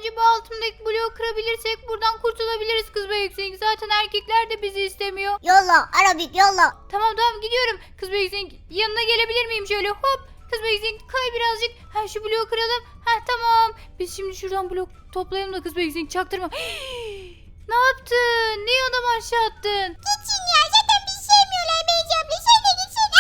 bu altımdaki bloğu kırabilirsek buradan kurtulabiliriz kız Beyzing. Zaten erkekler de bizi istemiyor. Yolla Arabik yolla. Tamam gidiyorum. Kız Beyzing yanına gelebilir miyim şöyle hop. Kız Beyzing kay birazcık. Ha şu bloğu kıralım. Ha tamam. Biz şimdi şuradan blok toplayalım da kız Beyzing çaktırma. Ne yaptın? Niye adamı aşağı attın? Geçin ya zaten biz sevmiyorlar Beyci abla. Sen de gitsin.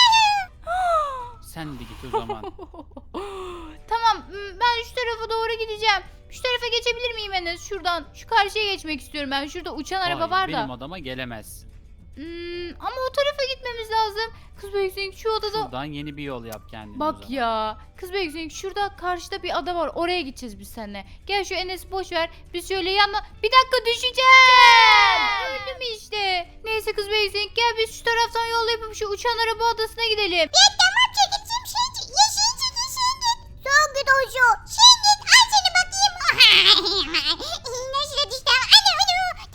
Sen de git o zaman. Tamam ben şu tarafa doğru gideceğim. Şu tarafa geçebilir miyim Enes? Şuradan şu karşıya geçmek istiyorum ben. Şurada uçan araba Hayır, var da. benim adama gelemez. Ama o tarafa gitmemiz lazım. Kız Beyzing şu odada. Şuradan yeni bir yol yap kendine. o Bak zaman. ya. Kız Beyzing şurada karşıda bir ada var. Oraya gideceğiz biz seninle. Gel şu Enes'i boş ver. Biz şöyle yanına. Bir dakika düşeceğim. Öldüm işte. Neyse kız Beyzing gel biz şu taraftan yol yapıp şu uçan araba adasına gidelim. Ya tamam çekileceğim şey çek. Ya şey çekil sen git. Son git o şu. Sen git al seni bakayım. Nasıl da düştü? Anne onu.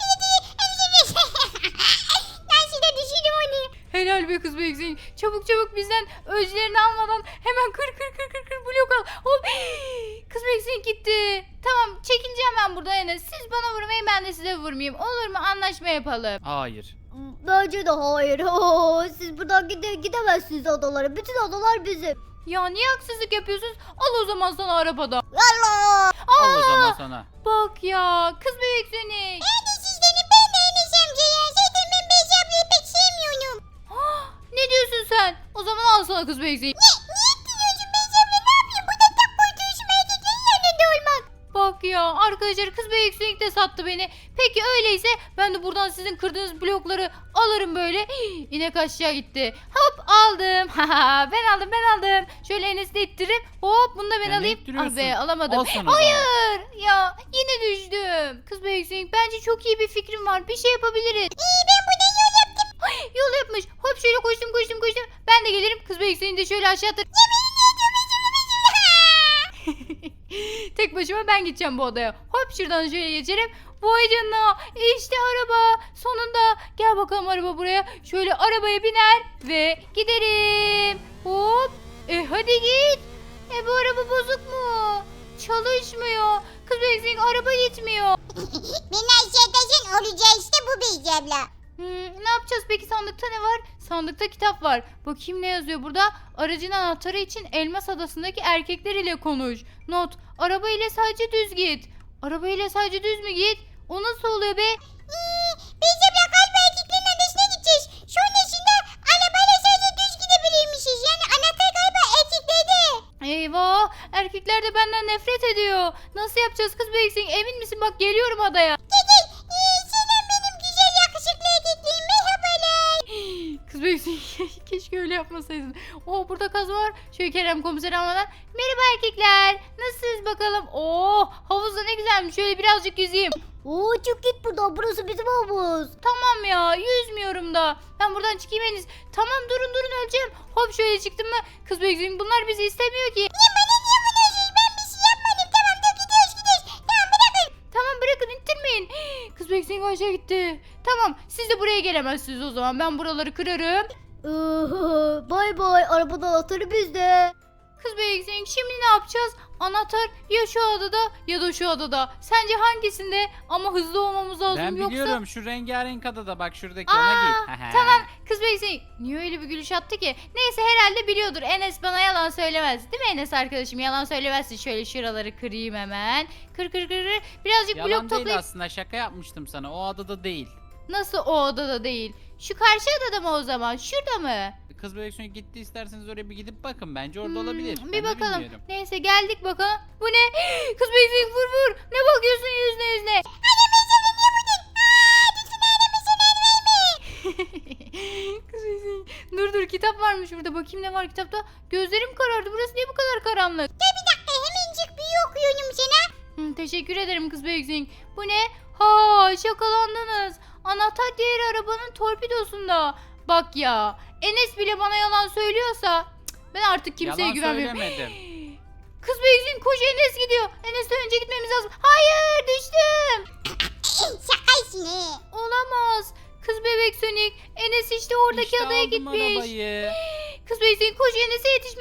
Nasıl da düşürdüm onu. Helal be kız Beyzing. Çabuk bizden ölçülerini almadan hemen kır blok al. Hop. Kız Beyzing gitti. Tamam çekileceğim ben buradan Enes. Siz bana vurmayın ben de size vurmayayım. Olur mu? Anlaşma yapalım. Hayır. Bence de hayır. Siz buradan gidemezsiniz adalara. Bütün adalar bizim. Ya niye haksızlık yapıyorsunuz? Al o zaman sana arabada. Yallah. Al o zaman sana. Bak ya kız Beyzing. Hadi sizlerin ben de Enes amca ya. Zaten ben Beyci ablayı pek sevmiyorum. Ne diyorsun sen? O zaman al sana kız Beyzing. Niye ettiriyorsun Beyci abla ne yapayım? Burada tak kurtuluşum erkeklerin yanında olmak. Bak ya arkadaşlar kız Beyzing de sattı beni. Peki öyleyse ben de buradan sizin kırdığınız blokları alırım böyle. İnek aşağı gitti. Hop aldım. ben aldım. Şöyle Enes'i de ittirip hop bunu da ben Ya ne alayım. Ah ittiriyorsun? be alamadım. Al sana o zaman. Hayır ya yine düştüm. Kız Beyzing bence çok iyi bir fikrim var. Bir şey yapabiliriz. Ben buradan yol yaptım. Yol yapmış. Hop şöyle koştum. Ben de gelirim. Kız Beyzing'i de şöyle aşağı atar. Tek başıma ben gideceğim bu odaya. Hop şuradan şöyle geçerim. Vay canına işte araba. Sonunda gel bakalım araba buraya. Şöyle arabaya biner ve giderim. Hop. Hadi git. Bu araba bozuk mu? Çalışmıyor. Kız Beyzing araba gitmiyor. Beni aşağıdaşın olacağı işte bu Beyci abla. Ne yapacağız peki sandıkta ne var? Sandıkta kitap var. Bakayım ne yazıyor burada? Aracın anahtarı için Elmas Adası'ndaki erkekler ile konuş. Not. Araba ile sadece düz git. Araba ile sadece düz mü git? O nasıl oluyor be? Beyci abla galiba erkeklerin adasına gideceğiz. Sonrasında arabayla sadece düz gidebilirmişiz. Yani anahtar galiba erkeklerde. Eyvah! Erkekler de benden nefret ediyor. Nasıl yapacağız kız Beyzing? Emin misin? Bak geliyorum adaya. Gel. Selam benim güzel yakışıklı erkeklerim. Merhabalar. Kız Beyzing keşke öyle yapmasaydın. Burada kaz var. Şöyle Kerem komiseri almadan. Merhaba erkekler. Nasılsınız bakalım? Havuz da ne güzelmiş. Şöyle birazcık yüzeyim. Çık git buradan. Burası bizim havuz. Tamam ya yüzmüyorum da. Ben buradan çıkayım en iyisi. Tamam durun öleceğim. Hop şöyle çıktım mı? Kız Beyzing bunlar bizi istemiyor ki. Niye vuruyorsunuz? Ben bir şey yapmadım. Tamam da gidiyoruz. Tamam bırakın. Tamam bırakın ittirmeyin. Kız Beyzing aşağı gitti. Tamam siz de buraya gelemezsiniz o zaman. Ben buraları kırarım. Bay bay. Arabadan anahtarı bizde. Kız Beyzing şimdi ne yapacağız? Anahtar ya şu adada ya da şu adada. Sence hangisinde? Ama hızlı olmamız lazım Ben yoksa. biliyorum şu rengarenk adada bak şuradaki Aa, ona git. tamam kız Beyzing niye öyle bir gülüş attı ki? Neyse herhalde biliyordur. Enes bana yalan söylemez. Değil mi Enes arkadaşım? Yalan söylemezsin. Şöyle şuraları kırayım hemen. Kır. Birazcık blok Yalan değil toplayıp. aslında şaka yapmıştım sana o adada değil. Nasıl o odada değil? Şu karşı adada mı o zaman? Şurada mı? Kız Bebek gitti isterseniz oraya bir gidip bakın bence orada olabilir. Ben Bir de bakalım. bilmiyorum. Neyse geldik bakalım. Bu ne? Kız Beyzing vur. Ne bakıyorsun yüzüne? Kız Beyzing. Dur kitap varmış burada. Bakayım ne var kitapta. Gözlerim karardı. Burası niye bu kadar karanlık? Bir dakika hemencik büyü okuyorum sana. Teşekkür ederim kız Beyzing. Bu ne? Şakalandınız. Anahtar diğer arabanın torpidosunda. Bak ya. Enes bile bana yalan söylüyorsa ben artık kimseye Yalan güvenmiyorum. söylemedim. Kız Beyzing koş Enes gidiyor. Enes'ten önce gitmemiz lazım. Hayır düştüm. Şakaysın he. Olamaz. Kız bebek Sonic. Enes işte oradaki İşte adaya aldım gitmiş. arabayı. Kız Beyzing koş Enes'e yetişmeliyiz.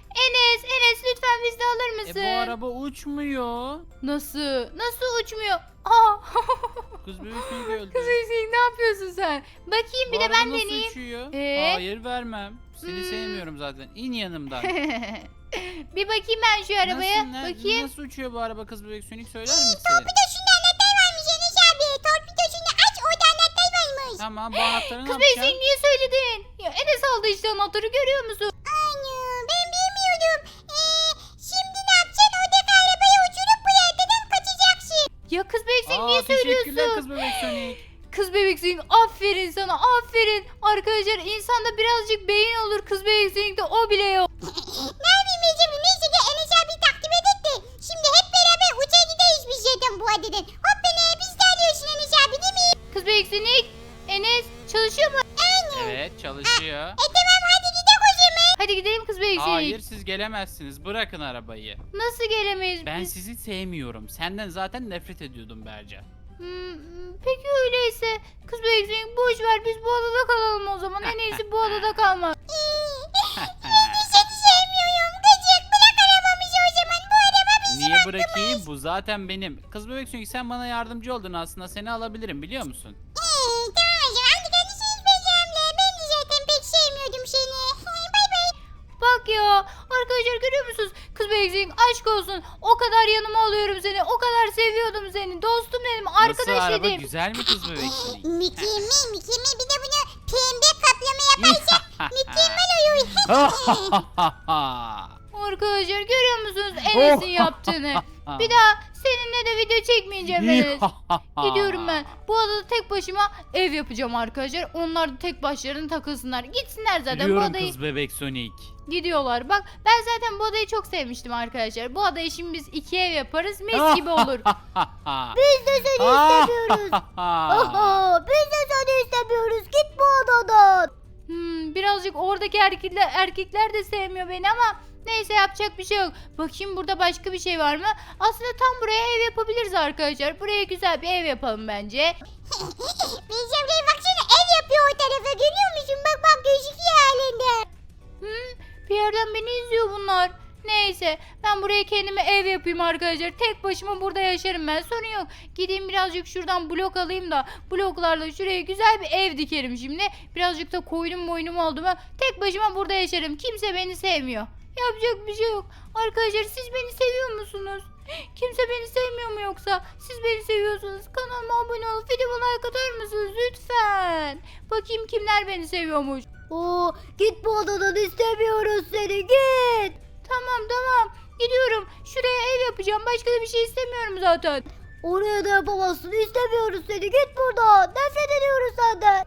Enes lütfen bizi de alır mısın? Bu araba uçmuyor. Nasıl uçmuyor? Aa. Kız bebek Sonic öldü. Kız Hüseyin ne yapıyorsun sen? Bakayım bir Bu de araba ben nasıl deneyeyim. uçuyor? Hayır vermem. Seni sevmiyorum zaten. İn yanımdan. Bir bakayım ben şu arabaya. Bakayım. Nasıl uçuyor bu araba kız bebek Sonic söyler misin? Torpidoşunda anahtar varmış Enes abi. Torpidoşunu aç orada anahtar varmış. Tamam bu anahtarı ne Kız yapacağım? Hüseyin niye söyledin? Ya Enes aldı işte anahtarı görüyor musun? Anne ben bilmiyordum. Şimdi ne yapacaksın? Oradaki arabaya uçurup bu yerden kaçacaksın. Ya kız Hüseyin niye Teşekkürler söylüyorsun? kız bebek Sonic. Kız bebeksin aferin sana aferin. Arkadaşlar insanda birazcık beyin olur kız bebeksin de o bile yok. Ne yapayım Ecem? Neyse ki Enes abi takip edetti. Şimdi hep beraber uçağa gideriz biz zaten bu adeden. Hop beni biz de alıyorsun Enes abi değil mi? Kız bebeksin Enes çalışıyor mu? Evet çalışıyor. Tamam hadi gidelim o zaman. Hadi gidelim kız bebeksin. Hayır siz gelemezsiniz. Bırakın arabayı. Nasıl gelemeyiz Ben biz? sizi sevmiyorum. Senden zaten nefret ediyordum Berca. Peki öyleyse kız bebeksin boş ver biz bu adada kalalım o zaman. En iyisi bu adada kalmak. Seni sevmiyorum. Gıcık bırak arabamızı o zaman. Bu araba bizim Niye bırakayım? Bu zaten benim. Kız bebek Sonic sen bana yardımcı oldun aslında. Seni alabilirim biliyor musun? Tamam o zaman. Hadi görüşürüz Becem'le. Ben de zaten pek sevmiyordum seni. Bay bay. Bak ya arkadaşlar görüyor musunuz? Kız bebeksin aşk olsun. O kadar yanıma alıyorum seni. O kadar seviyordum seni. Dostum dedim. Arkadaş Nasıl araba dedim. güzel mi kız bebek Sonic? Mükemmel. Bir de bunu pembe kaplama yaparsak mükemmel olur. Arkadaşlar görüyor musunuz Enes'in yaptığını? Bir daha seninle de video çekmeyeceğim Enes. Gidiyorum ben. Bu adada tek başıma ev yapacağım arkadaşlar. Onlar da tek başlarına takılsınlar. Gitsinler zaten bu Biliyorum adayı. kız bebek Sonic. Gidiyorlar. Bak ben zaten bu adayı çok sevmiştim arkadaşlar. Bu adayı şimdi biz 2 ev yaparız. Mis gibi olur. Biz de seni istemiyoruz. Oho, biz de seni istemiyoruz. Git bu odadan. Birazcık oradaki erkekler de sevmiyor beni ama neyse yapacak bir şey yok. Bakayım burada başka bir şey var mı? Aslında tam buraya ev yapabiliriz arkadaşlar. Buraya güzel bir ev yapalım bence. Becem'le baksana ev yapıyor o tarafa. Görüyor musun? Bak gözüküyor halinde. Bir yerden beni izliyor bunlar. Neyse ben buraya kendime ev yapayım arkadaşlar. Tek başıma burada yaşarım ben. Sorun yok. Gideyim birazcık şuradan blok alayım da bloklarla şuraya güzel bir ev dikerim şimdi. Birazcık da koydum boynumu oldu mu tek başıma burada yaşarım. Kimse beni sevmiyor. Yapacak bir şey yok. Arkadaşlar siz beni seviyor musunuz? Kimse beni sevmiyor mu yoksa? Siz beni seviyorsanız kanalıma abone olup videoma like atar mısınız lütfen? Bakayım kimler beni seviyormuş. Oo, git bu odadan istemiyoruz seni git. Tamam gidiyorum. Şuraya ev yapacağım. Başka da bir şey istemiyorum zaten. Oraya da yapamazsın istemiyoruz seni git buradan. Nefret ediyoruz senden.